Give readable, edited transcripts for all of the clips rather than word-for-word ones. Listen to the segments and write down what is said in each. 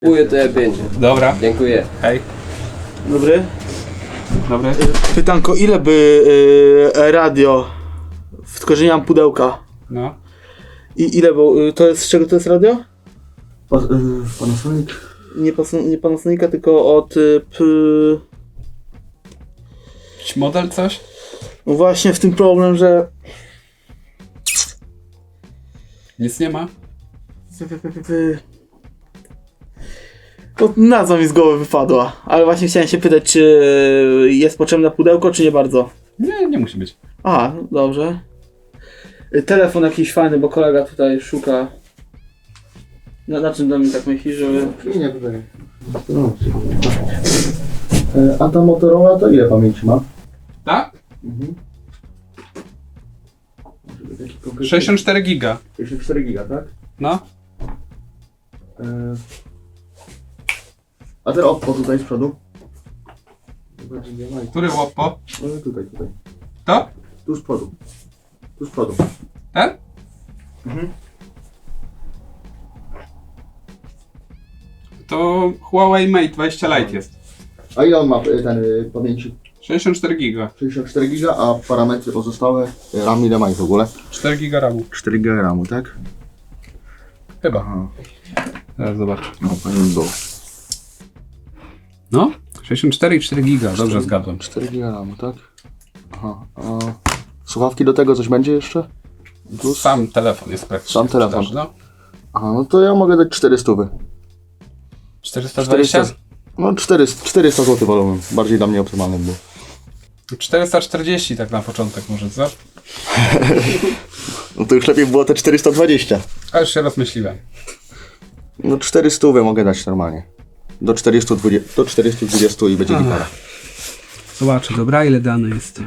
Kupuję te 5. Dobra. Dziękuję. Hej. Dobry. Dobry. Pytanko, ile by radio, tylko że nie mam pudełka. No. I ile było, to jest, z czego to jest radio? Panasonic? Nie Panasonica, tylko od Jakiś model coś? no właśnie w tym problem, że Nic nie ma? no, nazwa mi z głowy wypadła, ale właśnie chciałem się pytać, czy jest potrzebne pudełko, czy nie bardzo. Nie, nie musi być. A, dobrze. Telefon jakiś fajny, bo kolega tutaj szuka. Na czym do mnie tak myśli, żeby... Nie, tutaj. A ta Motorola to ile pamięci ma? Tak? Mhm. 64 giga. 64 giga, tak? No. A ten Oppo tutaj z przodu? Który Oppo? Tutaj. To? Tu z przodu. Tu z przodu. Ten? Mhm. To Huawei Mate 20 Lite jest. A ile on ma ten pamięci? 64 giga. 64 giga, a parametry pozostałe? RAM ile ma w ogóle? 4 giga RAMu. 4 giga RAMu, tak? Chyba. Aha. Zaraz zobacz. No, powinien był. No? 64 i 4 giga. Dobrze zgadłem. 4 giga RAMu, tak? Aha. A słuchawki do tego coś będzie jeszcze? Plus? Sam telefon jest praktycznie. Sam telefon. w sprzedaży, No. Aha, no to ja mogę dać 400. 420? No 400 zł wolałbym. Bardziej dla mnie optymalny był. 440 tak na początek może, co? No to już lepiej było te 420. A już się rozmyśliłem. No 400 mogę dać normalnie. Do 420 i będzie gitara. Zobaczę, dobra, ile dane jest.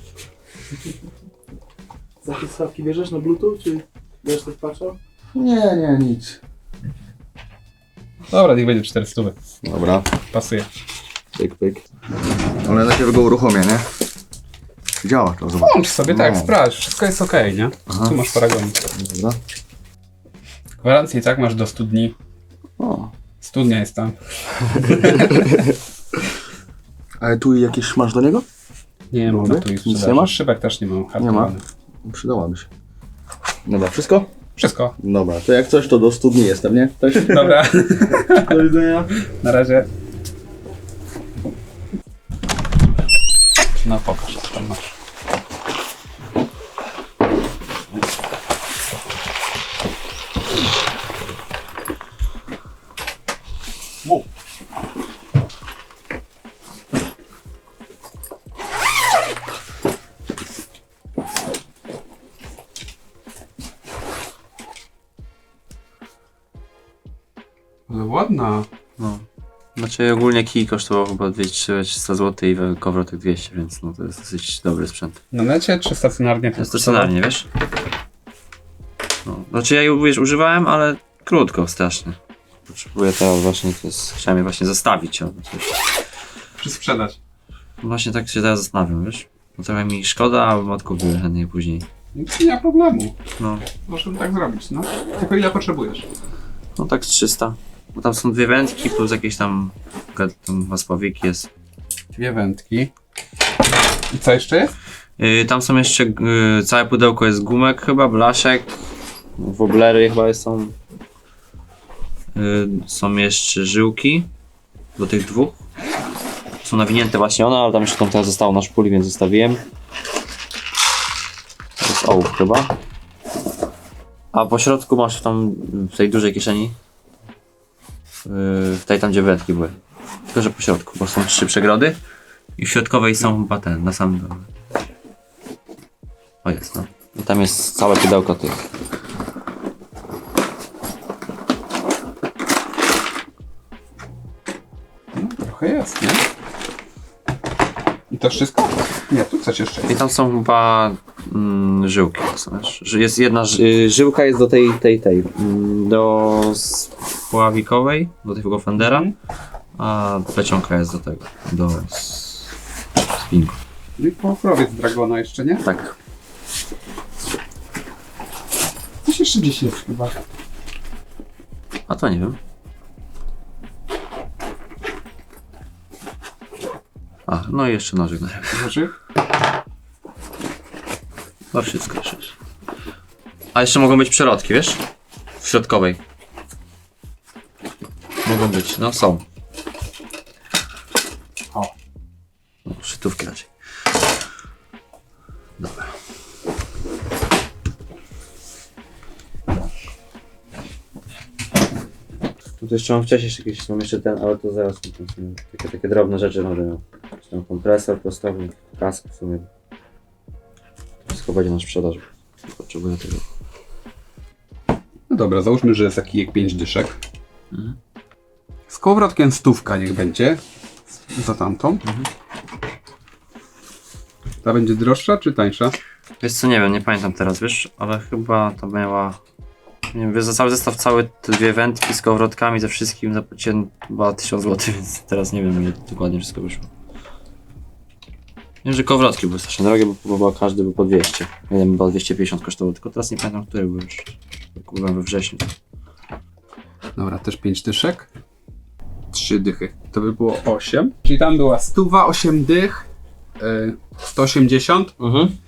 Za te słuchawki bierzesz na Bluetooth, czy będziesz tak patrzał? Nie, nic. Dobra, niech będzie 400. Dobra, Pasuje. pyk. Ale najpierw go uruchomię, nie? Działa to, zobacz. Włącz sobie, tak, No. sprawdź, wszystko jest ok, nie? Tu masz paragon. Dobra. Gwarancję i tak masz do 100 dni. O. Studnia jest tam. Ale tu jakieś masz do niego? Nie mam Dobry. tu ich Nic sprzedaży. nie masz? Szybek też nie mam. Nie ma. Hartowany. Przydałaby się. Dobra, wszystko? Wszystko. Dobra, to jak coś to do 100 dni jestem, nie? Też? Dobra, Do widzenia. na razie. No pokaż, co tam masz. Wow. Ale ładna. No. Znaczy ogólnie kij kosztował chyba 200-300 zł i kowrotek 200, więc no to jest dosyć dobry sprzęt. Na necie czy stacjonarnie? To jest stacjonarnie, wiesz? No. Znaczy ja ją wiesz, używałem, ale krótko, strasznie. Potrzebuję teraz właśnie, chciałem je właśnie zostawić. Czy sprzedać? Właśnie tak się teraz zastanawiam, wiesz? No trochę mi szkoda, a odkupię chętnie później. Nic nie ma problemu. No. Możemy tak zrobić, no. Tylko ile potrzebujesz? No tak z 300. Bo tam są dwie wędki plus jakieś tam waspowik jest. Dwie wędki. I co jeszcze jest? Tam są jeszcze, całe pudełko jest gumek chyba, blaszek, woblery chyba są. Są jeszcze żyłki do tych dwóch. Są nawinięte właśnie one, ale tam jeszcze tam teraz zostało na szpuli, więc zostawiłem. To jest ołów chyba. A po środku masz tam w tej dużej kieszeni. W tej tam gdzie wędki były. Tylko że po środku, bo są 3 przegrody. I w środkowej są chyba te, na samym dole. O jest, no. I tam jest całe pudełko tych. No, trochę jest, nie? I to wszystko? Nie, tu coś jeszcze I jest. tam są chyba żyłki. Jest jedna żyłka jest do tej do spławikowej, do tego fendera, a plecionka jest do tego, do spinku. No i pokrowiec Dragona jeszcze, nie? Tak. Coś jeszcze gdzieś jest chyba. A to nie wiem. A, no i jeszcze nożyk na rękę. Nożyk? No wszystko już. A jeszcze mogą być przelotki, wiesz? W środkowej. Mogą być, no są. O. No, szytówki raczej. Dobra. Tu jeszcze mam wcześniej jakieś, mam jeszcze ten, ale to zaraz takie drobne rzeczy będę miał. Czy tam kompresor, prostownik, kask w sumie. To wszystko będzie na sprzedaż. Potrzebuję tego. No dobra, załóżmy, że jest taki kijek 5 dyszek. Z kołowrotkiem 100 niech będzie. Za tamtą. Ta będzie droższa czy tańsza? Wiesz co, nie wiem, nie pamiętam teraz, wiesz, ale chyba to miała... Nie wiem, wiesz, za cały zestaw, całe te dwie wędki z kołowrotkami, ze wszystkim zapłaciłem chyba 1000 zł, więc teraz nie wiem, ile dokładnie wszystko wyszło. Wiem, że kołowrotki były strasznie drogie, bo każdy był po 200. Jeden chyba 250 kosztował, tylko teraz nie pamiętam, który był już. Kupiłem we wrześniu. Dobra, też 5 dyszek. 3 dychy. To by było 8. Czyli tam była 100, 8 dych. 180.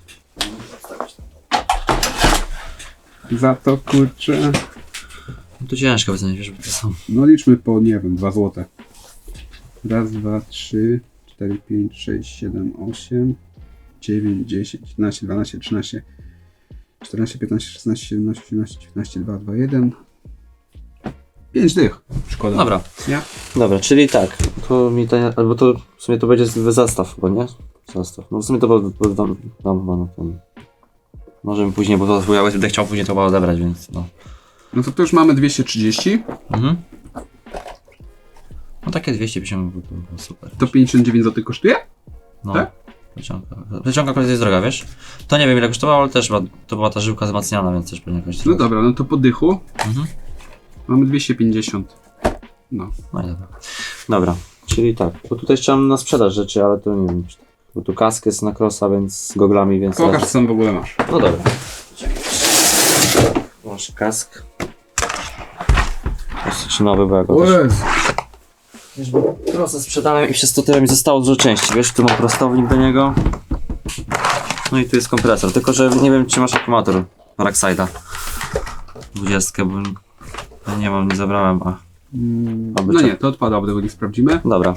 Za to kurczę. No to ciężko wycenić, wiesz, bo to są... No liczmy po, nie wiem, 2 złote. Raz, 2, 3, 4, 5, 6, 7, 8, 9, 10, 11, 12, 13, 14, 15, 16, 17, 18, 19, 2, 2, 1. 5 dych. Szkoda. Dobra. Nie? Dobra, czyli tak, to mi to, albo to w sumie to będzie zestaw chyba, nie? Zestaw. No w sumie to dam chyba na ten. Możemy później, bo to ja będę chciał później to chyba odebrać, więc no. No to tu już mamy 230. No takie 250 by było super. To 59 zł kosztuje? No. tak? Plecionka akurat jest droga, wiesz? To nie wiem ile kosztowało, ale też to była ta żyłka wzmacniana, więc też pewnie jakoś No droga. dobra, no to po dychu mamy 250. No. No i dobra. Dobra, czyli tak, bo tutaj chciałem na sprzedaż rzeczy, ale to nie wiem. Bo tu kask jest na crossa, więc z goglami, więc... Pokaż co tam w ogóle masz. No dobra. Masz kask. Dosyć nowy, bo ja go też... Wiesz, bo crossa sprzedałem i przez to tyle mi zostało dużo części, wiesz, tu mam prostownik do niego. No i tu jest kompresor, tylko że nie wiem czy masz akumulator Parkside'a 20, bo ja nie mam, nie zabrałem, a... No nie, to odpada, bo tego nie sprawdzimy. Dobra.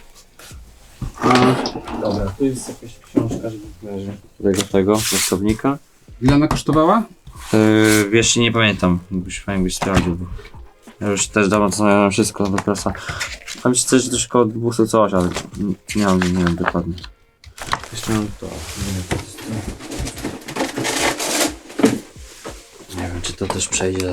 A Dobra, tu jest jakaś książka, żeby do tego prostownika. ile ona kosztowała? Wiesz, nie pamiętam, fajnie byś sprawdził, bo ja już też dawno co wszystko do prasa. Tam się coś około 200 coś, ale nie wiem dokładnie. Jeszcze mam to, nie wiem czy to też przejdzie,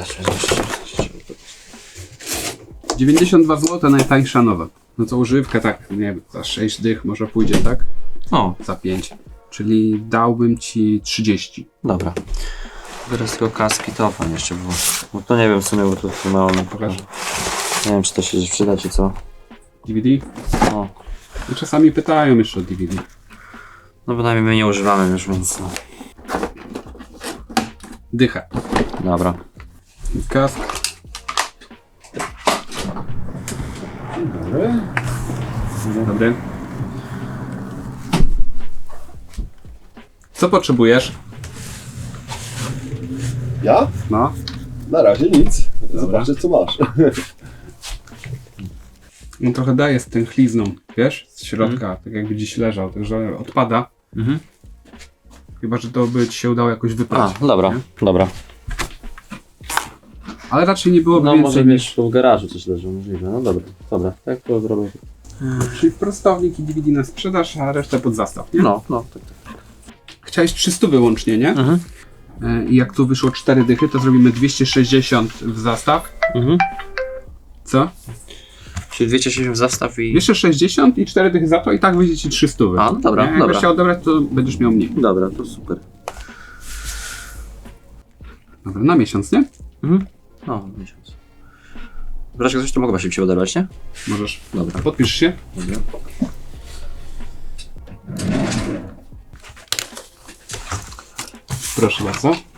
92 zł najtańsza nowa. No co używka tak, nie wiem, za 6 dych może pójdzie, tak? O, Za 5. Czyli dałbym ci 30. dobra. Teraz tylko kaski tofa jeszcze było. Bo to nie wiem w sumie, bo to mało mi Pokaż. Nie wiem czy to się przyda czy co. DVD? O. No czasami pytają jeszcze o DVD. No bynajmniej my nie używamy już, więc no. Dychę. Dobra. Kask. Dobry. Dobry. Co potrzebujesz? Ja? No. Na razie nic. Dobra. Zobaczę co masz. On trochę daje z tęchlizną, wiesz? Z środka, tak jakby gdzieś leżał, także odpada. Chyba, że to by ci się udało jakoś wyprać. A, dobra, nie? dobra. Ale raczej nie byłoby No więcej może niż... wiesz, w garażu coś leży, możliwe. No dobra, dobra, tak to zrobię. Czyli prostownik i DVD na sprzedaż, a resztę pod zastaw, nie? No, tak. Chciałeś 300 wyłącznie, nie? I jak tu wyszło 4 dychy, to zrobimy 260 w zastaw. Co? Czyli 260 zastaw i... 260 i 4 dychy za to i tak wyjdzie ci 300. A, no dobra, nie? Jak dobra. będziesz chciał odebrać, to będziesz miał mniej. Dobra, to super. Dobra, na miesiąc, nie? No, miesiąc. Wreszcie coś to mogę właśnie się odebrać, nie? Możesz. Dobra. Podpisz się. Dobra. Proszę bardzo.